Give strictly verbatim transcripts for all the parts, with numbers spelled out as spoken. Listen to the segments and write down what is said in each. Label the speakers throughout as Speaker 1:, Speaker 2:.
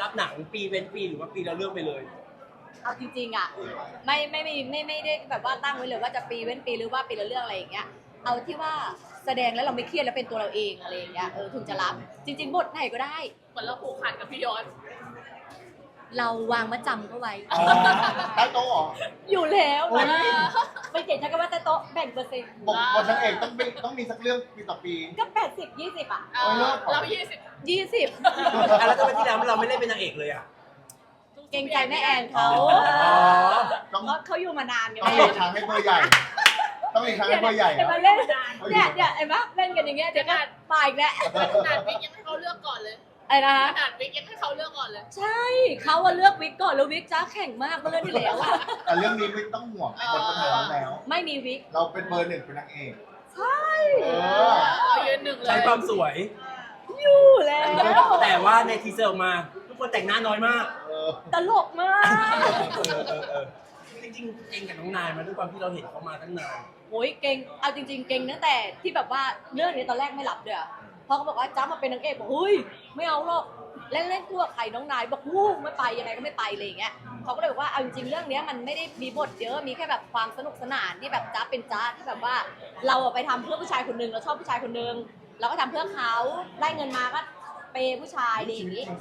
Speaker 1: รับหนังปีเป็นปีหรือว่าปีละเรื่องไปเลย
Speaker 2: เอาจริงๆอ่ะไม่ไม่ไม่ไม่ไม่ได้แบบว่าตั้งไว้เลยว่าจะปีเว้นปีหรือว่าปีละเรื่องอะไรอย่างเงี้ยเอาที่ว่าแสดงแล้วเราไม่เครียดแล้วเป็นตัวเราเองอะไรอย่างเงี้ยเออถึงจะรับจริงๆบทไหนก็ได้
Speaker 3: เหมือนเราผูกพันกับพี่ยศ
Speaker 2: เราวางมาจำเขาไว้
Speaker 4: ใต้โต๊ะเหรอ
Speaker 2: อยู่แล้วนะไม่เก่งใช้คำว่าแต่โต๊ะแบ่งเปอร์เซ็นต์
Speaker 4: บอกบทนางเอกต้องมีต้องมีสักเรื่องปีต่อปี
Speaker 2: ก็แปดสิบยี่สิบอ่ะ
Speaker 3: เรายี่สิบ
Speaker 2: ยี่สิบ
Speaker 1: แล้วทำไมที่แล้วเราไม่เล่นเป็นนางเอกเลยอ่ะ
Speaker 2: เกรงใจแม่แอนเขา
Speaker 4: ต้อง
Speaker 2: เขาอยู่มานานกัน
Speaker 4: ต้องหลีกทางให้เบอร์ใหญ่ต้องหลีกทางให้เบอร์ใหญ่
Speaker 2: มาเล่นเนี่ยเนี่ยไอ้มะเล่นกันอย่างเงี้ยเดี๋ยวก็มาอีกแล้ว
Speaker 3: ขนาดวิกยังให้เขาเลือกก่อนเลย
Speaker 2: ไอ้นะคะ
Speaker 3: ขนาดวิกยังให้เขาเลือกก่อนเลย
Speaker 2: ใช่เขาว่าเลือกวิกก่อนแล้ววิกจ้าแข่งมากเมื่อเรื่องที่แล้วอะ
Speaker 4: แต่เรื่องนี้ไม่ต้องห่วงบทปัญหาแล้ว
Speaker 2: ไม่มีวิก
Speaker 4: เราเป็นเบอร์หนึ่งเป็นนางเอก
Speaker 2: ใช่
Speaker 3: เรายืนหนึ่งเลย
Speaker 1: ใช้ความสวย
Speaker 2: อยู่แล้ว
Speaker 1: แต่ว่าในทีเซอร์ออกมาทุกคนแต่งหน้าน้อยมาก
Speaker 2: ตลกมาก
Speaker 1: จริงๆเก่งกับน้องนายมาด้วยความที่เราเห็นเขามาตั้งนาน
Speaker 2: โอ้ยเก่งเอาจริงๆเก่งตั้งแต่ที่แบบว่าเรื่องนี้ตอนแรกไม่รับเด้อพอเขาบอกว่าจ้ามาเป็นนางเอกบอกเฮ้ยไม่เอาหรอกเล่นเล่นคู่กับใครน้องนายบอกวู้ไม่ไปยังไงก็ไม่ไปเลยอย่างเงี้ยเขาก็เลยบอกว่าเอาจริงๆเรื่องนี้มันไม่ได้มีบทเยอะมีแค่แบบความสนุกสนานที่แบบจ้าเป็นจ้าที่แบบว่าเราไปทำเพื่อผู้ชายคนนึงเราชอบผู้ชายคนนึงเราก็ทำเพื่อเขาได้เงินมาก็เปย์ผู้ชายดีอย่างนี้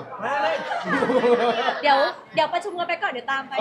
Speaker 2: เดี๋ยวเดี๋ยวประชุมกันไปก่อนเดี๋ยวตามไป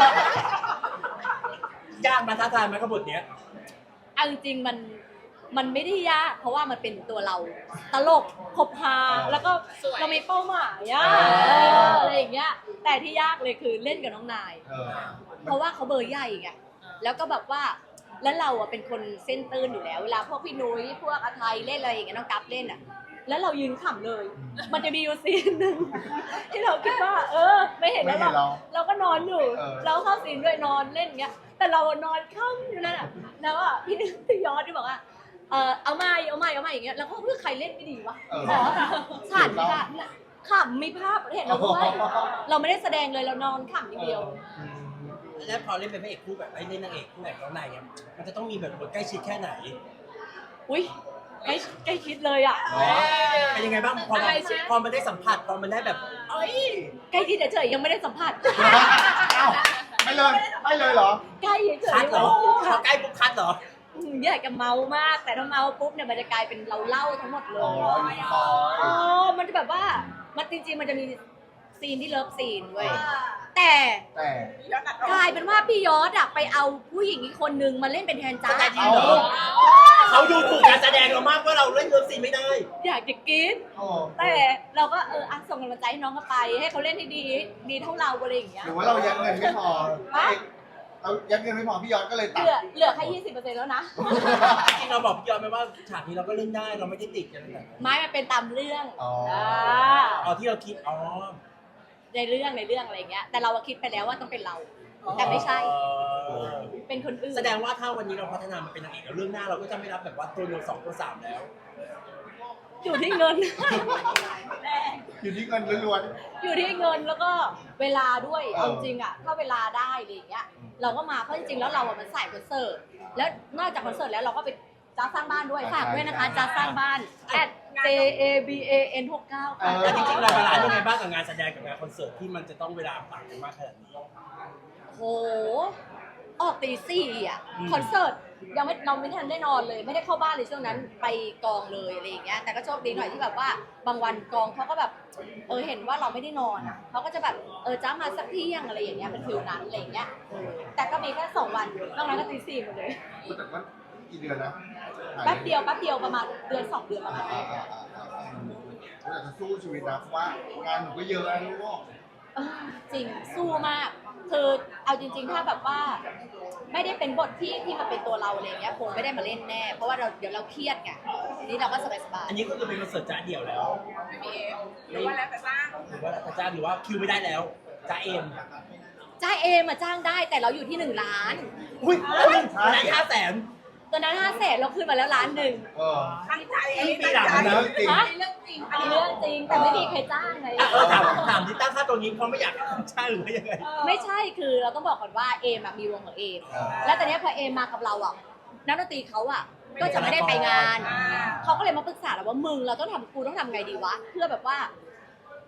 Speaker 1: ยากมาท้าทายไหมกับบทเนี้ย
Speaker 2: เอาจริงๆมันมันไม่ได้ยากเพราะว่ามันเป็นตัวเราตลกคบฮาแล้วก็เรามีเป้าหมายอะอะไรอย่างเงี้ยแต่ที่ยากเลยคือเล่นกับน้องนายเพราะว่าเขาเบอร์ใหญ่ไงแล้วก็แบบว่าแล้วเราอะเป็นคนเส้นตื้นอยู่แล้วเวลาพวกพี่นุ้ยพวกอาไทยเล่นอะไรอย่างเงี้ยน้องกั๊บเล่นอะแล้วเรายืนขำเลยมันจะมีอยู่ซีนหนึ่งที่เราคิดว่าเออไม่เห็นแล้วเราเราก็นอนอยู่เราเข้าซีนด้วยนอนเล่นเงี้ยแต่เรานอนค่ำอยู่นั่นอะแล้วอะพี่พี่ยอดที่บอกว่าเออเอามาเอามาเอามาอย่างเงี้ยแล้วก็เพื่อใครเล่นไม่ดีวะขอฉันค่ะขำมีภาพเห็นเราด้วยเราไม่ได้แสดงเลยเรานอนขำอย่างเดียว
Speaker 1: แล้วพอเล่นเป็นพระเอกคู่แบบไอ้เล่นนางเอกคู่แบบน้องนายเนี่ยมันจะต้องมีแบบบทใกล้ชิดแค่ไหน
Speaker 2: อุ้ยใกล้ใกล้ชิดเลยอ่ะ
Speaker 1: เป็นยังไงบ้างพอพอมันได้สัมผัสพอมันได้แบบเอ้ย
Speaker 2: ใกล้ชิดเฉยๆยังไม่ได้สัมผัส
Speaker 4: ไม่เลยไม่เลยเหรอ
Speaker 2: ใกล้เฉยๆ
Speaker 1: คัดเหรอพอใกล้ปุ๊บคัดเหรอ
Speaker 2: อยากจะเมามากแต่ถ้าเมาปุ๊บเนี่ยมันจะกลายเป็นเราเล่าทั้งหมดเลยอ๋อมันจะแบบว่ามันจริงๆมันจะมีซีนที่เลิฟซีนเว้ยแต่กลายเป็นว่าพี่ยอดอะไปเอาผู้หญิงอีกคนนึงมาเล่นเป็นแทนจ้า
Speaker 1: เขาดูถูกการแสดงเรามากว่าเราเล่นเลิฟซีนไม่ได้
Speaker 2: อยากจะกินแต่เราก็เอออ่ะส่งกำลังใจให้น้องเขาไปให้เขาเล่นให้ดีดีเท่าเราอะไรอย่างเงี้ย
Speaker 4: หรือว่าเรายัดเงินไม่พอเรายัดเงินไม่พอพี่ยอดก็เลยตัด
Speaker 2: เหลือเหลือแค่ยี่สิบเปอร์เซ็นต์แล้วนะ
Speaker 1: จริงเราบอกพี่ยอดไหมว่าฉากนี้เราก็เล่นได้เราไม่ได้ติดกันเลย
Speaker 2: ไม่มันเป็นตามเรื่อง
Speaker 4: อ๋อ
Speaker 1: อ๋อที่เราคิดอ๋อ
Speaker 2: ในเรื่องในเรื่องอะไรเงี้ยแต่เราคิดไปแล้วว่าต้องเป็นเราแต่ไม่ใช่เป็นคนอื่น
Speaker 1: แสดงว่าถ้าวันนี้เราพัฒนามาเป็นนางเอกแล้วเรื่องหน้าเราก็จะไม่รับแบบว่าตัวเดียวสองตัวสามแล้ว
Speaker 2: อยู่ที่เงิน
Speaker 4: อยู่ที่เงินล้วน
Speaker 2: ๆอยู่ที่เงินแล้วก็เวลาด้วยเอาจริงอ่ะถ้าเวลาได้อะไรอย่างเงี้ยเราก็มาเพราะจริงๆแล้วเราอ่ะมันสายคอนเสิร์ตแล้วนอกจากคอนเสิร์ตแล้วเราก็ไปจ้าสร้างบ้านด้วยฝากด้วยนะคะจ้าสร้างบ้าน at j a b a n หกเก้าค่ะ
Speaker 1: แล้วจริงๆเราบาลานซ์ยังไงบ้างกับงานแสดงกับงานคอนเสิร์ตที่มันจะต้องเวลาต่างกันมากขนาดนี้
Speaker 2: โหออกตีสี่อ่ะคอนเสิร์ตยังไม่เราไม่ทันได้นอนเลยไม่ได้เข้าบ้านเลยช่วงนั้นไปกองเลยอะไรอย่างเงี้ยแต่ก็โชคดีหน่อยที่แบบว่าบางวันกองเขาก็แบบเออเห็นว่าเราไม่ได้นอนอ่ะเขาก็จะแบบเออจ้ามาสักเที่ยงอะไรอย่างเงี้ยเป็นฟิลนั้นอะไรอย่างเงี้ยแต่ก็มีแค่สองวันนอกนั้นก็ตีสี่หมดเลย
Speaker 4: แต่ว่ากี่เดือนนะ
Speaker 2: แป๊บเดียวแป๊บเดียวประมาณเดือนสองเดือนประมาณนี้
Speaker 4: เราจะสู้ชีวิตนะเพราะว่างานหนูก็เยอะนะลูก
Speaker 2: จริงสู้มากคือเอาจริงๆถ้าแบบว่าไม่ได้เป็นบทที่ที่มาเป็นตัวเราอะไรเงี้ยคงไม่ได้มาเล่นแน่เพราะว่าเราเดี๋ยวเราเครียดไงนี่เราก็สบายๆ
Speaker 1: อันนี้ก็คือเป็นคอนเสิร์ตจ้าเดี่ยวแล้ว
Speaker 3: ไม่มีเอฟหรือว่าแล้วแต่จ้าง
Speaker 1: หรือว่าแต่จ้าหรือว่าคิวไม่ได้แล้วจ้าเอ็ม
Speaker 2: จ้าเอมาจ้างได้แต่เราอยู่ที่หนึ่งล้าน
Speaker 1: อุ้ยล้านห้าแสน
Speaker 2: ตอนนั้นห้าแสนเราขึ้นมาแล้วล้านหนึ่ง
Speaker 3: ตั้งใจ
Speaker 1: อันนี้ปีหลังนะ
Speaker 3: เรื่องจริง
Speaker 2: อันนี้เรื่องจริงแต่ไม่มีใครจ้างไง
Speaker 1: เออถามถามที่ตั้งค่าตัวนี้เพราะไม่อยากจ้างหรือยังไง
Speaker 2: ไม่ใช่คือเราต้องบอกก่อนว่าเอมมีวงของเอมแล้วตอนนี้พอเอมมากับเราอ่ะนักดนตรีเขาอ่ะก็จะไม่ได้ไปงานเขาก็เลยมาปรึกษาเราว่ามึงเราต้องทำกูต้องทำไงดีวะเพื่อแบบว่า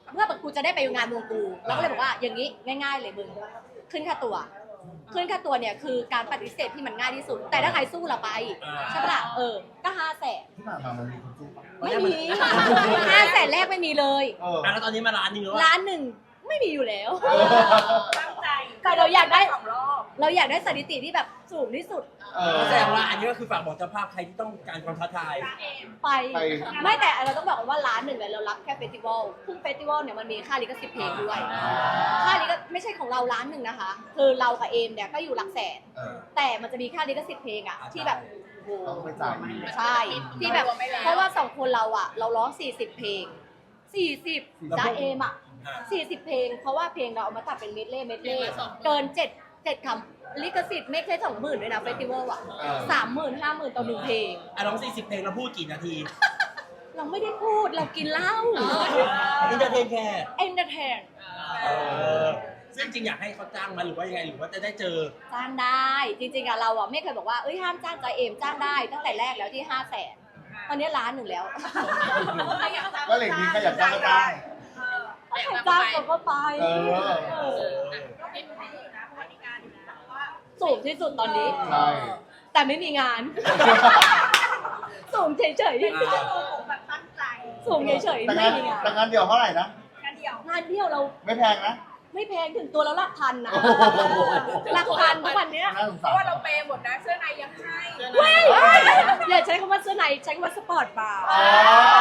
Speaker 2: เพื่อแบบกูจะได้ไปงานวงกูเราก็เลยบอกว่าอย่างนี้ง่ายๆเลยมึงขึ้นค่าตัวขึ้นค่าตัวเนี่ยคือการปฏิเสธที่มันง่ายที่สุด แต่ถ้าใครสู้เราไปใช่ปะล่ะเออก็ห้าแสน
Speaker 4: ที่ผ่านมามันมีคนสู้ปะ
Speaker 2: ไม่มีห้าแสนแรกไม่มีเลย
Speaker 4: เออ
Speaker 1: อ่ะแล้วตอนนี้มาร้านหนึงแล้วว่า
Speaker 2: ล้านหนึ่งไม่มีอยู่แล้ว
Speaker 4: เออ
Speaker 3: ตั้งใจ
Speaker 2: แต่เราอยากได้
Speaker 3: สองรอบ
Speaker 2: เราอยากได้สถิติที่แบบสูงที่สุด
Speaker 4: เออ
Speaker 1: แสดงว่าอันนี้ก็คือฝากบอกเจ้าภาพใครที่ต้องการความท้าทาย
Speaker 2: ไป
Speaker 4: ไป
Speaker 2: ไม่แต่เราต้องบอกว่าร้านหนึ่งเนี่ยเรารับแค่เฟสติวัลซึ่งเฟสติวัลเนี่ยมันมีค่าลิขสิทธิ์เพลงด้วย ค่าลิขไม่ใช่ของเราร้านหนึ่งนะคะ คือเรากับเอมเนี่ยก็อยู่หลักแสน
Speaker 4: เออ
Speaker 2: แต่มันจะมีค่าลิขสิทธิ์เพลงอะที่แบบโอ้โห
Speaker 4: ต้องไปจ่ายอีก
Speaker 2: ใช่ที่แบบเพราะว่าสองคนเราอะเราร้องสี่สิบเพลงสี่สิบจ้าเอมอะสี่สิบเพลงเพราะว่าเพลงเราเอามาตัดเป็นเมดเล่เมดเล่เกินเจ็ดเจ็ดคำลิขสิทธิ์ไม่แค่สองหมื่นด้วยนะเฟสติวัลอะสามหมื่นห้าหมื่นต่อหนึ่งเพลง
Speaker 1: อ่ะร้องสี่สิบเพลงเราพูดกี่นาที
Speaker 2: เราไม่ได้พูดเรากินเหล้า
Speaker 1: อินเตอร์เทนแค่
Speaker 2: เอนเตอร์เทน
Speaker 1: เออซึ่งจริงอยากให้เขาจ้างมาหรือว่ายังไงหรือว่าจะได้เจอ
Speaker 2: จ้างได้จริงๆอะเราอะไม่เคยบอกว่าเอ้ยห้ามจ้างใจเอมจ้างได้ตั้งแต่แรกแล้วที่ห้าแสนตอนนี้ล้านหนึ่งแล้ว
Speaker 4: ก็เลยมีใครอยากจ้างก็จ้าง
Speaker 2: ใครจ้างเราก็ไป
Speaker 4: เออ
Speaker 2: เออ
Speaker 3: ก็เป็นไปอยู่นะเพราะว่ามีการอยู่นะว่า
Speaker 2: สูงที่สุดตอนนี้
Speaker 4: ใช่
Speaker 2: แต่ไม่มีงาน สูงเฉย
Speaker 3: ผมแบบตั้งใจ
Speaker 2: ๆสูงเฉย
Speaker 4: แต่
Speaker 2: ๆ
Speaker 4: งา
Speaker 2: ไม่
Speaker 4: น
Speaker 2: มีงาน
Speaker 4: แต่งานเดียวเท่าไหร่นะ
Speaker 3: กันเดียว
Speaker 2: งานเที่ยวเรา
Speaker 4: ไม่แพงนะ
Speaker 2: ไม่แพงถึงตัวเราหลักพันนะ
Speaker 4: โอ้โห
Speaker 2: หลักพันทุกวันเนี้ย
Speaker 4: น่าสง
Speaker 3: เพ
Speaker 4: สาร
Speaker 3: ราะว่าเราเปย์หมดนะเสื้อในยังให้
Speaker 2: เว้ยอย่าใช้คำว่าเสื้อในใช้คำว่าสปอร์ตบาร์
Speaker 4: อ๋อ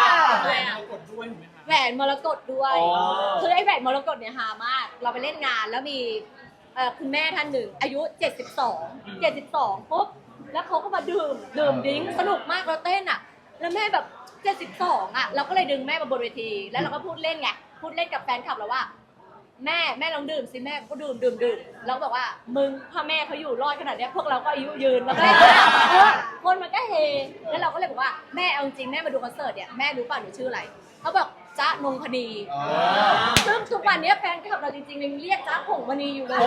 Speaker 2: แหวนมรกตด้วย
Speaker 4: อ๋อ
Speaker 2: คือไอ้แหวนมรกตเนี่ยฮามาก เราไปเล่นงานแล้วมีเอ่อคุณแม่ท่านหนึ่งอายุ เจ็ดสิบสอง เจ็ดสิบสองปุ๊บแล้วเขาก็มาดื่มดื่มดิ้งสนุกมากเราเต้นอ่ะ แล้วแม่แบบ เจ็ดสิบสอง อ่ะ เราก็เลยดึงแม่มาบนเวที แล้วเราก็พูดเล่นไง พูดเล่นกับแฟนคลับเราว่า แม่แม่ลองดื่มสิแม่ก็ดื่มดื่มดื่มแล้วก็บอกว่ามึงถ้าแม่เขาอยู่รอดขนาดเนี้ยพวกเราก็อายุยืนแล้วก็เออคนมันก็เฮแล้วเราก็เลยบอกว่าแม่เอาจริงแม่มาดูคอนเสิร์ตเนี่ยแม่รู้ป่ะหนูชื่ออะไรเขาบอกจ๊ะนงพนี
Speaker 4: อ๋อ
Speaker 2: ซึ่งทุกวันนี้แฟนคลับเราจริงๆยังเรียกจ๊ะผงมณีอยู่เลย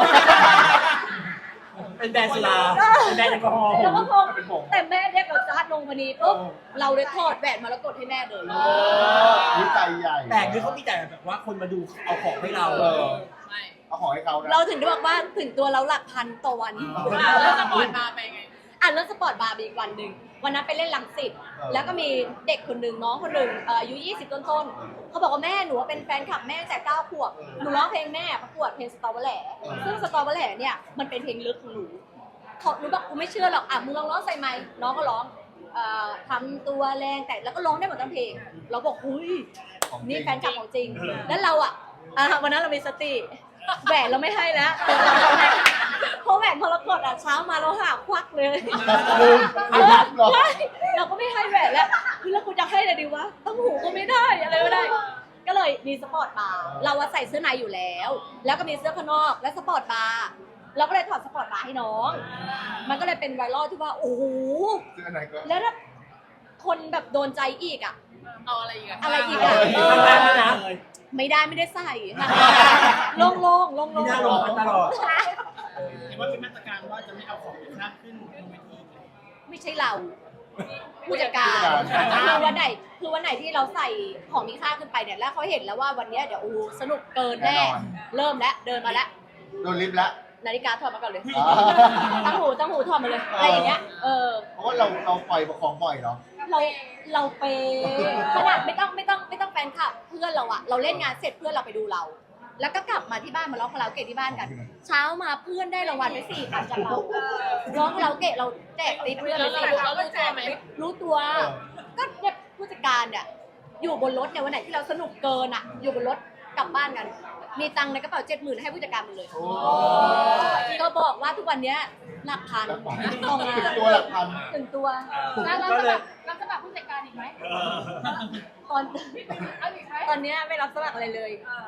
Speaker 1: เป็นแบรนด์สุราเป็นแบรนด์แอลกอฮอล์
Speaker 2: แล้วก็คง
Speaker 4: เป็นผง
Speaker 2: แต่แม่เรียกเราจ๊ะนงพนีปุ๊บเราเลยทอดแหวนมรกตให้แม่เลย
Speaker 4: เออวิจัยใหญ่
Speaker 1: แต่คือเขามีแต่แบบว่าคนมาดูเอาของให้เรา
Speaker 4: เออ
Speaker 3: ไม่
Speaker 4: เอาของให้เขานะ
Speaker 2: เราถึงได้บอกว่าถึงตัวเราหลักพันต่อวัน
Speaker 3: แล้วสปอร์ตมาไปไง
Speaker 2: อ่านเรื่องสปอร์ตบาร์บีอีกวันหนึ่งวันนั้นไปเล่นลังสิตแล้วก็มีเด็กคนหนึ่งน้องคนหนึ่งเอ่ออายุยี่สิบต้นๆเขาบอกว่าแม่หนูว่าเป็นแฟนคลับแม่ตั้งแต่เก้าขวบหนูร้องเพลงแม่ประกวดเพลงสตอเบอร์แหล่ซึ่งสตอเบอร์แหล่เนี่ยมันเป็นเพลงลึกของหนูเขาหนูบอกกูไม่เชื่อหรอกอ่ะมึงลองร้องใส่ไมค์น้องก็ร้องเอ่อทำตัวแรงแต่แล้วก็ร้องได้หมดทั้งเพลง เราบอกหุย
Speaker 4: ของจริง
Speaker 2: นี่แฟนคลับของจริง แล้วเราอ่ะอ่ะวันนั้นเรามีสติแหวนเราไม่ให้แล้วเพราะแหวนพอเรากดอ่ะเช้ามาเราหาควักเลย
Speaker 4: ลืม
Speaker 2: เอ
Speaker 4: ลื
Speaker 2: อ
Speaker 4: มเหรอ
Speaker 2: ใช่เราก็ไม่ให้แหวนแล้วคือแล้วกูจะให้อะไรดีวะต้องหูก็ไม่ได้อะไรไม่ได้ ก็เลยมีสปอร์ตบาร์เราว่าใส่เสื้อในอยู่แล้ว แล้วก็มีเสื้อข้างนอกและสปอร์ตบาร์เราก็เลยถอดสปอร์ตบาร์ให้น้อง มันก็เลยเป็นไวรัลที่ว่าโอ้โห
Speaker 4: ซื้ออันไหนก็
Speaker 2: แล้วถ้าคนแบบโดนใจอีกอ่ะ
Speaker 3: เอาอะไรอีกอะ
Speaker 2: อะไรอีกอ่ะเอ
Speaker 1: ทำงานแล้วนะ
Speaker 2: อไม่ได้ไม่ได้ใส่ค่ะโล่งๆโล่งๆ
Speaker 1: มีหน้าลงมาตลอด
Speaker 5: เห็นว่ามีมาตรการว่าจะไม่เอาของมีค่าขึ้นบนเวทีอีกเลย
Speaker 2: ไม่ใช่เราผู้จัดการคือวันไหนคือวันไหนที่เราใส่ของมีค่าขึ้นไปเนี่ยแล้วเขาเห็นแล้วว่าวันเนี้ยเดี๋ยวโอ้โหสนุกเกินแน่เริ่มแล้วเดินมาแล้ว
Speaker 4: โดนลิฟต์ละ
Speaker 2: นาฬิกาถอดมาก่อนเลย
Speaker 4: อ๋อ
Speaker 2: ตั้งหูตั้งหูถอดมาเลยอะไรอย่างเงี้ยเออ
Speaker 4: เพราะว่าเราเราปล่อยของบ่อยเนาะ
Speaker 2: เราเราเปย์ขนาดไม่ต้องไม่ต้องไม่ต้องแฟนคลับเพื่อนเราอะเราเล่นงานเสร็จเพื่อนเราไปดูเรา แล้วก็กลับมาที่บ้านมาร้องคาราโอเกะที่บ้านกัน เช้ามาเพื่อนได้รางวัลไปสี่พันจากเราร้องคาราโอเกะเราแจกติ๊บเพื่อน
Speaker 3: แล้
Speaker 2: ไป
Speaker 3: วเรา
Speaker 2: สี่
Speaker 3: เรารู้ตัวไหม
Speaker 2: รู้ตัว ก็เนี่ยผู้จัดการเนี่ยอยู่บนรถเนี่ยวันไหนที่เราสนุกเกินอะอยู่บนรถกลับบ้านกัน มีตังค์ในกระเป๋าเจ็ดหมื่นให้ผู้จัดการหมดเลย
Speaker 4: โอ้
Speaker 2: ก็บอกว่าทุกวันเนี้ยหลักพัน
Speaker 4: หลักพัน
Speaker 2: ต่องาน
Speaker 4: ถึงตัวหลักพัน
Speaker 2: ถึงตัว
Speaker 3: แล้วเรา
Speaker 1: ก็
Speaker 3: จะ
Speaker 1: เล
Speaker 3: แบ
Speaker 1: ย
Speaker 3: บเราจะแบบผู้จัดการอีกไหม
Speaker 1: เออ
Speaker 2: ตอน
Speaker 3: เอาอีกไหม
Speaker 2: ตอนเนี้ยไม่รับสมัครอะไรเลย
Speaker 3: เออน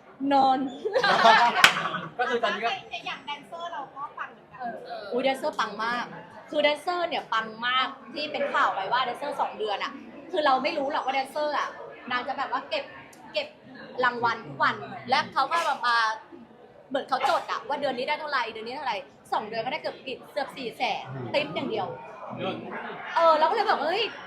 Speaker 2: อน
Speaker 1: ก็คือตอนนี้ก็
Speaker 3: อย่างแดนเซอร์เราก็ฟังเหมือนกัน
Speaker 2: อุ้ยแดนเซอร์ปังมาก คือแดนเซอร์เนี่ยปังมากที่เป็นข่าวไปว่าแดนเซอร์สองเดือนอะคือเราไม่รู้หรอกว่าแดนเซอร์อะนางจะแบบว่าเก็บเก็บรางวัลทุกวัน และเขาก็แบบมาเหมือนเขาจดอะว่าเดือนนี้ได้เท่าไหร่เดือนนี้เท่าไหร่สองเดือนก็ได้เกือบกิจเกือบสี่แสนติ๊บอย่างเดียว เออเราก็เลยบอกเฮ้ย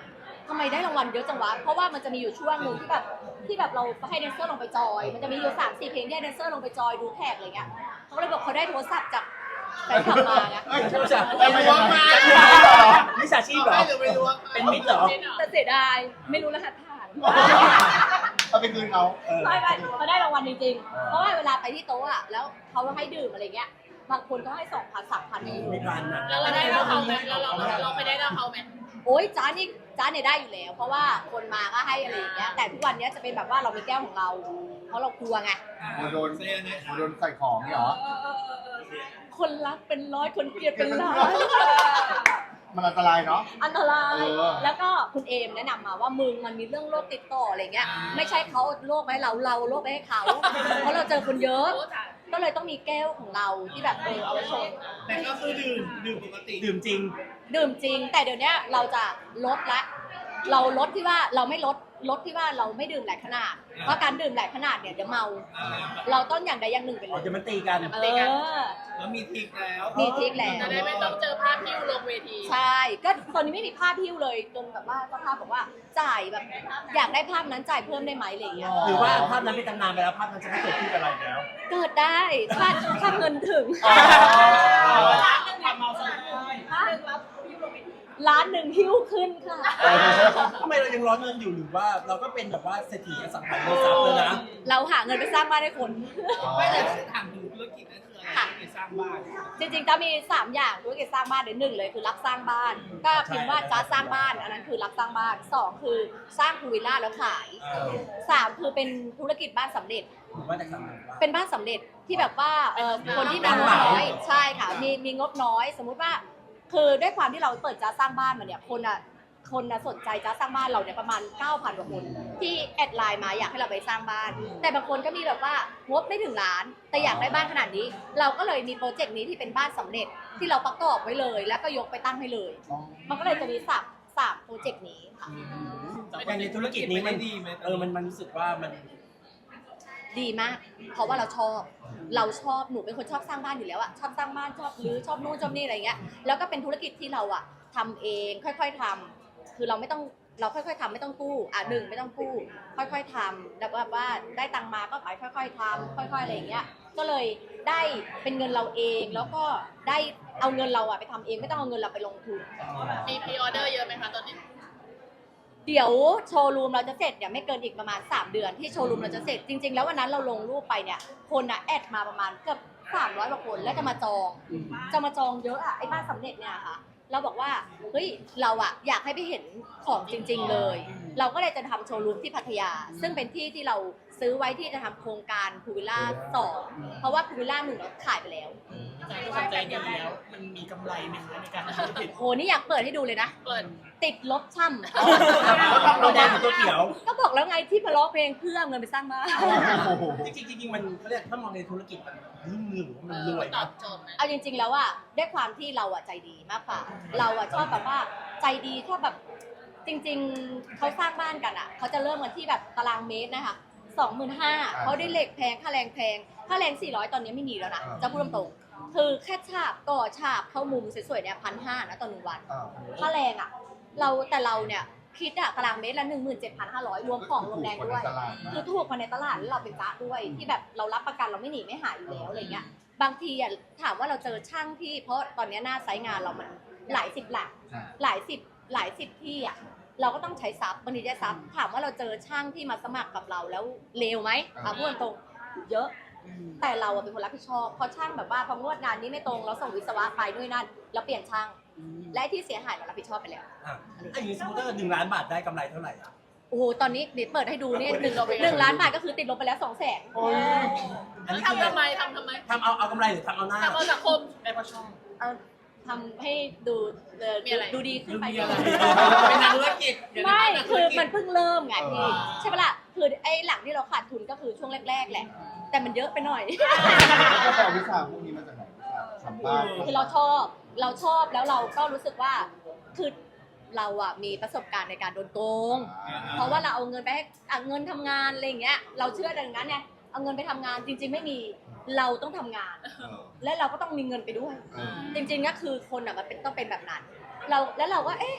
Speaker 2: ทำไมได้รางวัลเยอะจังวะเพราะว่ามันจะมีอยู่ช่วงหนึ่งที่แบบที่แบบเราให้แดนเซอร์ลงไปจอย มันจะมีอยู่สามสี่เพลงที่ให้แดนเซอร์ลงไปจอยดูแขกอะไรเงี้ยเขาก็เลยบอกเขาได้โทรศัพท์จากแฟนคลับมาไง
Speaker 4: เอ้ย
Speaker 1: ไม่ใช่
Speaker 4: ไม่ไม่ไม่ไม่
Speaker 1: มิจฉาชีพเหรอ
Speaker 5: ไม่หรือไม่รู้ว่า
Speaker 1: เป็นมิตรเหรอ
Speaker 2: แต่เสียดายไม่รู้รหัสผ่าน
Speaker 4: เอาไปคืนเขา
Speaker 1: เออ
Speaker 2: ไม่ไม่เขาได้รางวัลจริงๆ เพราะว่าเวลาไปที่โต๊ะอะแล้วเขาให้ดื่มอะไรเงี้ย บางคนก็ให้สองพันสามพัน
Speaker 1: ไม่พันอ่ะ
Speaker 3: แล้วเราได้เราเขาไหมแล้วเราเราไปได้เราเขาไหม
Speaker 2: โอ้ยจ้านี่จ้าเนี่ยได้อยู่แล้ว เพราะว่าคนมาก็ให้อะไรอย่างเงี้ย แต่ทุกวันเนี้ยจะเป็นแบบว่าเรามีแก้วของเรา เพราะเรากลัวไง
Speaker 4: โมโดนโมโดนใส่ของเนี่ยเหรอ
Speaker 2: คนรักเป็นร้อยคนเกลียดเป็นล้าน
Speaker 4: มันอันตรายเนาะ
Speaker 2: อันตราย
Speaker 4: เออ
Speaker 2: แล้วก็คุณเอมแนะนำมาว่ามึงมันมีเรื่องโรคติดต่ออะไรเงี้ย ไม่ใช่เขาโรคไว้เราเราโรคไว้ให้เขา เพราะเราเจอคนเยอะ ก็เลยต้องมีแก้วของเราที่แบบเออเอาไว้ชง
Speaker 5: แต่ก็คือดื่มดื่มปกติ
Speaker 1: ดื่มจริง
Speaker 2: ดื่มจริง แต่เดี๋ยวนี้เราจะลดละ เราลดที่ว่าเราไม่ลดลดที่ว่าเราไม่ดื่มหลายขนาด เพราะการดื่มหลายขนาดเนี่ยเดี๋ยวเมา เราต้องอย่างใดอย่างหนึ่งไปเล
Speaker 1: อ๋อย เดี๋ยวมันตีกัน
Speaker 2: เออ
Speaker 5: แล้วมีทริกแล้ว
Speaker 2: มีทริคแล้ว
Speaker 3: จะได้ไม่ต้องเจอภาพที่ลงเวที
Speaker 2: ใช่ ก็ตอนนี้ไม่มีภาพพิ้วเลยจนแบบว่าเจ้าภาพบอกว่าจ่ายแบบ อยากได้ภาพนั้นจ่ายเพิ่มได้ไหมอะไรอย่างเงี้ย
Speaker 1: หรือว่าภาพนั้นเป็นตำนานไปแล้วภาพนั้นจะไม่เกิดขึ้นกับเราอีกแล้ว
Speaker 2: เกิดได้ถ้าถ้าเงินถึง
Speaker 4: อ๋อ
Speaker 5: ความเมาสลาย
Speaker 2: ล้านหนึ่งหิ้วขึ้นค่ะ
Speaker 1: ทำไมเรายังร้อนเงินอยู่หรือว่าเราก็เป็นแบบว่าเศรษฐีอสังหาริมทรัพย์เลยนะ
Speaker 2: เราหาเงินไปสร้างบ้านให้คน
Speaker 5: ไม่แต่ถามถึงธุรกิจนั่นคืออะไรธุรกิจสร้างบ้าน
Speaker 2: จริงๆจะมีสามอย่างธุรกิจสร้างบ้านเดี๋ยวหนึ่งเลยคือรับสร้างบ้าน ก็พิมพ์ว่าจ้าสร้างบ้านอันนั้นคือรับสร้างบ้านสองคือสร้างพูลวิลล่าแล้วขาย
Speaker 1: เออ
Speaker 2: สามคือเป็นธุรกิจบ้านสำเร็จ
Speaker 1: หรือว่าจากสำนักว่า
Speaker 2: เป็นบ้านสำเร็จที่แบบว่าเออคนที่มีงบน้อยใช่ค่ะมีมีงบน้อย สมมุติว่า คือด้วยความที่เราเปิดจ้าสร้างบ้านมาเนี่ยคนอ่ะคนน่ะสนใจจ้าสร้างบ้านเราเนี่ยประมาณ เก้าพัน กว่าคน ที่แอดไลน์มาอยากให้เราไปสร้างบ้าน แต่บางคนก็มีแบบว่างบไม่ถึงล้าน แต่อยากได้บ้านขนาดนี้ เราก็เลยมีโปรเจกต์นี้ที่เป็นบ้านสำเร็จที่เราประกอบไว้เลย แล้วก็ยกไปตั้งให้เลย มันก็เลยจะมีสามสามโปรเจกต์นี้ค่ะ
Speaker 1: อย่างในธุรกิจนี้มันดีไหมเออมันมันรู้สึกว่ามัน
Speaker 2: ดีมาก เพราะว่าเราชอบ เราชอบ หนูเป็นคนชอบสร้างบ้านอยู่แล้วอะชอบสร้างบ้าน ชอบรื้อชอบนู่นชอบนี่อะไรเงี้ย แล้วก็เป็นธุรกิจที่เราอะทำเอง ค่อยๆทำคือเราไม่ต้อง เราค่อยๆทำไม่ต้องกู้ อ่ะหนึ่งไม่ต้องกู้ ค่อยๆทำแล้วแบบว่าได้ตังค์มาก็ไปค่อยๆทำค่อยๆอะไรอย่างเงี้ย ก็เลยได้เป็นเงินเราเอง แล้วก็ได้เอาเงินเราอะไปทำเอง ไม่ต้องเอาเงินเราไปลงทุน
Speaker 3: มีพรีออเดอร์เยอะไหมคะตอนนี้
Speaker 2: เดี๋ยวโชว์รูมเราจะเสร็จเนี่ยไม่เกินอีกประมาณสามเดือนที่โชว์รูมเราจะเสร็จจริงๆแล้ววันนั้นเราลงรูปไปเนี่ยคนอะแอดมาประมาณเกือบสามร้อยกว่าคนแล้วจะมาจองจะมาจองเยอะอะไอ้บ้านสำเร็จเนี่ยค่ะเราบอกว่าเฮ้ยเราอะอยากให้ไปเห็นของจริง ๆเลย เราก็เลยจะทำโชว์รูมที่พัทยา ซึ่งเป็นที่ที่เราซื้อไว้ที่จะทำโครงการพูวิลล่าสองเพราะว่าพูวิลล่าหนึ่งเราขายไปแล้ว
Speaker 5: จากที่ความใจดีแล้วมันมีกำไรไหมคะในการทำธุรกิจ
Speaker 2: โหนี่อยากเปิดให้ดูเลยนะ
Speaker 3: เปิด
Speaker 2: ติดลบช่ำ
Speaker 1: เราแดงกับตัวเขียว
Speaker 2: ก็บอกแล้วไงที่พะล้อเพลงเพื่อเอาเงินไปสร้างบ้าน
Speaker 4: โอ้โห
Speaker 1: จริงๆจริงๆมันเขาเรียกถ้ามองในธุรกิจมันรุ่งเรืองหรือว่ามันรวย
Speaker 3: ตอ
Speaker 1: นะ
Speaker 3: บโจทย์ไหม
Speaker 2: เอาจริงๆแล้วอะด้วยความที่เราอะใจดีมากกว่า เราอะชอบแบบว่าใจดีชอบแบบจริงๆเขาสร้างบ้านกันอะเขาจะเริ่มกันที่แบบตารางเมตรนะคะสองหมื่นห้าเขาได้เหล็กแพงค่าแรงแพงค่าแรงสี่ร้อยตอนนี้ไม่มีแล้วนะจะพูดตรงๆคือแค่ฉาบก่อฉาบเข้ามุมสวยๆเนี่ยพันห้านะต่อหนึ่งวัน
Speaker 4: อ่า
Speaker 2: ค่าแรงอะเราแต่เราเนี่ยคิดอะตารางเมตรละหนึ่งหมื่นเจ็ดพันห้าร้อยรวมของรวมแรงด้วย คือถูกกว่าในตลาดแล้วเราเป็นจ้าด้วยที่แบบเรารับประกันเราไม่หนีไม่หายอยู่แล้วอะไรเงี้ยบางทีอ่ะถามว่าเราเจอช่างที่เพราะตอนนี้หน้าไซต์งานเรามันหลายสิบหลัก
Speaker 4: ใช่
Speaker 2: หลายสิบหลายสิบที่อ่ะเราก็ต้องใช้ซับบางทีใช้ซับถามว่าเราเจอช่างที่มาสมัครกับเราแล้วเลวไหมอ่ะพูดตรงๆเยอะ แต่เราอะเป็นคนรับผิดชอบเพราะช่างแบบว่าพองวดงานนี้ไม่ตรงเราส่งวิศวะไปด้วยนั่นแล้วเปลี่ยนช่าง และที่เสียหายเรารับผิดชอบไปแล้ว
Speaker 1: อ่ะอันนี้สมมติถ้าเกิดหนึ่งล้านบาทได้กำไรเท่าไหร่อ่ะ
Speaker 2: โอ้โหตอนนี้เดี๋ยวเปิดให้ดูเนี่ยหนึ่งหนึ่งล้านบาทก็คือติดลบไปแล้วสองแสน
Speaker 4: โอ้ย
Speaker 1: อันนี้คือ
Speaker 3: ทำทำไมทำทำไม
Speaker 1: ทำเอาเอากำไรหรือทำเอาหน้า
Speaker 3: ทำเอาสังคม
Speaker 5: ได้เพราะช่อง
Speaker 2: เอาทำให้ดูเอ่อ
Speaker 3: มีอะไร
Speaker 2: ดูดีขึ้นไป
Speaker 5: มีอะไร
Speaker 2: ด้วย
Speaker 5: เป็นนักธุรกิจ
Speaker 2: ไม่คือมันเพิ่งเริ่มไงพี่
Speaker 5: อ่า
Speaker 2: ใช่ปะล่ะคือไอ้หลังที่เราขาดทุนก็คือช่วงแรกๆแหละ แต่มันเยอะไปหน่อย
Speaker 4: แล้วก็ไปเอาวิชาพวกนี้มาจากไหนทำบ้าน
Speaker 2: คือเราชอบเราชอบแล้วเราก็รู้สึกว่าคือเราอะมีประสบการณ์ในการโดนโกง เพราะว่าเราเอาเงินไปให้อ่ะเงินทำงานอะไรอย่างเงี้ยเราเชื่อดังนั้นไงเอาเงินไปทำงานจริง ๆ ไม่มีเราต้องทำงาน และเราก็ต้องมีเงินไปด้วย
Speaker 4: เออ
Speaker 2: จริงๆก็คือคนอ่ะมันเป็นต้องเป็นแบบนั้น เราแล้วเราก็เอ๊ะ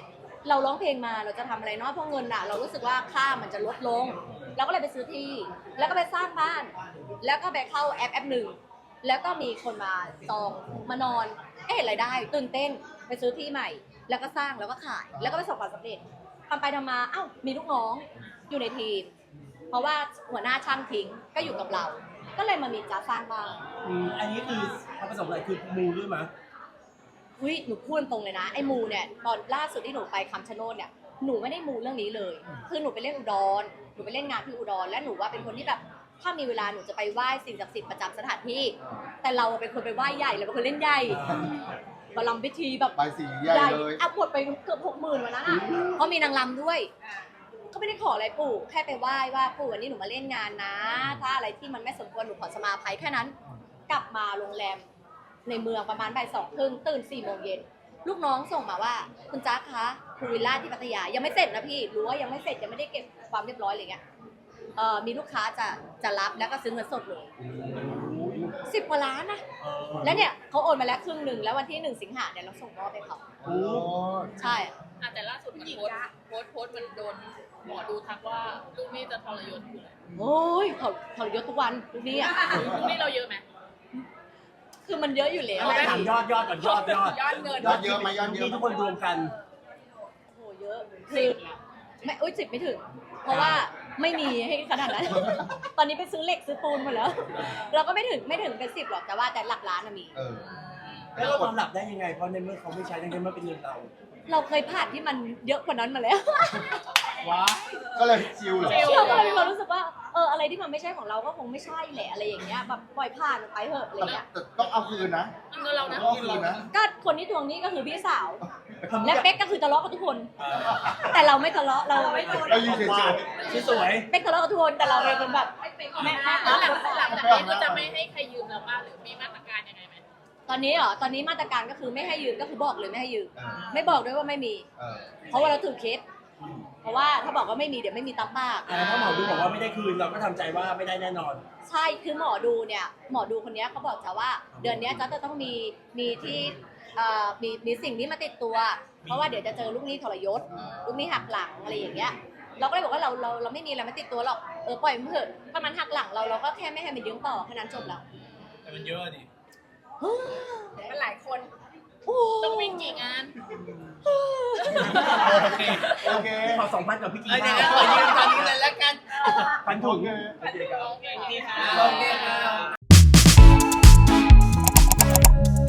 Speaker 2: เราร้องเพลงมาเราจะทำอะไรเนาะเพราะเงินอะเรารู้สึกว่าค่ามันจะลดลงเราก็เลยไปซื้อที่แล้วก็ไปสร้างบ้าน แล้วก็ไปเข้าแอปแอปหนึ่งแล้วก็มีคนมาจองมานอนเอ๊ะเห็นรายได้ตื่นเต้นไปซื้อที่ใหม่ แล้วก็สร้างแล้วก็ขายแล้วก็ประสบความสำเร็จทำไปทำมาเอ้ามีลูกน้องอยู่ในทีม เพราะว่าหัวหน้าช่างทิ้งก็อยู่กับเรา ก็เลยมามีจ้าสร้างบ้าน
Speaker 1: อืมอันนี้คือความประสบอะไรคือมูด้วยมั้ย
Speaker 2: อุ้ยหนูพูดตรงเลยนะไอ้มูเนี่ยตอนล่าสุดที่หนูไปคำชะโนดเนี่ยหนูไม่ได้มูเรื่องนี้เลย คือหนูไปเล่นอุดรหนูไปเล่นงานที่อุดรและหนูว่าเป็นคนที่แบบถ้ามีเวลาหนูจะไปไหว้สิ่งศักดิ์สิทธิ์ประจำสถานที่ แต่เราเป็นคนไปไหว้ใหญ่เราเป็นคนเล่นใหญ่บารมพิธีแบบ
Speaker 4: ใบสีใหญ่เลย
Speaker 2: อ่ะหมดไปเกือบหกหมื่นวันนั้นอ่ะเพราะมีนางรำด้วยก็ไม่ได้ขออะไรปู่แค่ไปไหว้ว่าปู่วันนี้หนูมาเล่นงานนะ ถ้าอะไรที่มันไม่สมควรหนูขอสมาภัยแค่นั้น กลับมาโรงแรมในเมืองประมาณบ่ายสองครึ่งตื่นสี่โมงเย็นลูกน้องส่งมาว่าคุณจ๊าคะภูวิลล่าที่พัทยายังไม่เสร็จนะพี่รู้ว่ายังไม่เสร็จยังไม่ได้เก็บความเรียบร้อยอะไรเงี้ยเอ่อมีลูกค้าจะจะรับแล้วก็ซื้อเงินสดเลยสิบกว่าล้านนะแล้วเนี่ยเขาโอนมาแล้วครึ่งหนึ่งแล้ววันที่หนึ่งสิงหาเนี่ยเราส่งมอบไปเขา
Speaker 4: โอ้
Speaker 2: ใช่
Speaker 3: อ่ะแต่ล่าสุดมันโพสต์โพสต์โพสต์มันโดนหมอดูทักว่าลูกหนี้จะทรยศอยู่
Speaker 2: โอ้ยเขาเขาเยอะทุกวันทุกนี้อ่ะ
Speaker 3: ลูกหนี้เราเยอะไหม
Speaker 2: คือมันเยอะอยู่แล้ว
Speaker 1: ไม่ได้ถามยอดยอดก่อนยอดยอด
Speaker 3: ยอดเงิน
Speaker 4: ยอดเยอะไหมยอดเยอะ
Speaker 1: ที่ทุกคนรวมกัน
Speaker 2: โอ้โหเยอะคือไม่อุ้ยสิบไม่ถึง เพราะว่าไม่มีให้ขนาดนั้น ตอนนี้ไปซื้อเหล็กซื้อปูนหมดแล้ว เราก็ไม่ถึงไม่ถึงเป็นสิบหรอกแต่ว่าแต่หลักล้านน่ะมี
Speaker 4: เออ
Speaker 1: แล้วเรานอนหลับได้ยังไงเพราะในเมื่อเขาไม่ใช้ในเมื่อเป็นเงินเรา
Speaker 2: เราเคยผ่านที่มันเยอะกว่านั้นมาแล้ว
Speaker 5: ว้า
Speaker 4: ก็เลยชิลเหรอ
Speaker 2: เราก็เลยมีความรู้สึกว่าเอออะไรที่มันไม่ใช่ของเราก็คงไม่ใช่แหละอะไรอย่างเงี้ยแบบปล่อยผ่านมันไปเถอะอะไร
Speaker 4: แต่
Speaker 2: เงี้ย
Speaker 4: แต่ต้องเอาคืนนะ
Speaker 3: เงินเรานะ
Speaker 4: ต้องเอาคืนนะ
Speaker 2: ก็คนที่ทวงหนี้ก็คือพี่สาว และเป๊กก็คือทะเลาะกับทุกคน แต่เราไม่ทะเลาะเราไม่
Speaker 4: เรายืนเฉย
Speaker 1: ที่สวย
Speaker 2: เป๊กทะเลาะกับทุกคนแต่เราเป็นคนแบบแม่แม่
Speaker 3: แล้วหลังหลังจากนี้ก็จะไม่ให้ใครยืมเราบ้างหรือมีมาตรการยังไงไหม
Speaker 2: ตอนนี้เหรอตอนนี้มาตรการก็คือไม่ให้ยืมก็คือบอกเลยไม่ให้ยืม
Speaker 4: ๆเออ
Speaker 2: ไม่บอกด้วยว่าไม่มี
Speaker 4: เออ
Speaker 2: เพราะว่าเราถือเคสเพราะว่าถ้าบอกว่าไม่มีเดี๋ยวไม่มีตามปาก
Speaker 1: อ่าถ้าหมอดูบอกว่าไม่ได้คืนเราก็ทำใจว่าไม่ได้แน่นอน
Speaker 2: ใช่คือหมอดูเนี่ยหมอดูคนนี้เขาบอกจะว่า เดือนนี้จะจะต้องมีมีที่เอ่อมีมีสิ่งนี้มาติดตัว เพราะว่าเดี๋ยวจะเจอลูกหนี้ทรยศลูกหนี้หักหลังอะไรอย่างเงี้ยเราก็เลยบอกว่าเราเราเราไม่มีอะไรมาติดตัวหรอกเออปล่อยมันเถอะถ้ามันหักหลังเราเราก็แค่ไม่ให้มันยืมต่อแค่นั้นจบแล้ว
Speaker 5: แต่มันเยอะดิ
Speaker 3: มันหลายคน
Speaker 2: โอ้
Speaker 3: ต้องวิ่งกี่งาน
Speaker 5: โอเค
Speaker 4: โอเค
Speaker 1: ขอสองพันกับพี่กี
Speaker 5: เอ้ยเดี๋ยว
Speaker 1: บ้า
Speaker 5: ขอยืมตอนนี้เลยแล้วกัน
Speaker 1: พันถุง
Speaker 4: โอเค
Speaker 3: โอเค
Speaker 5: โอเคค่ะ
Speaker 1: โอเคค่ะ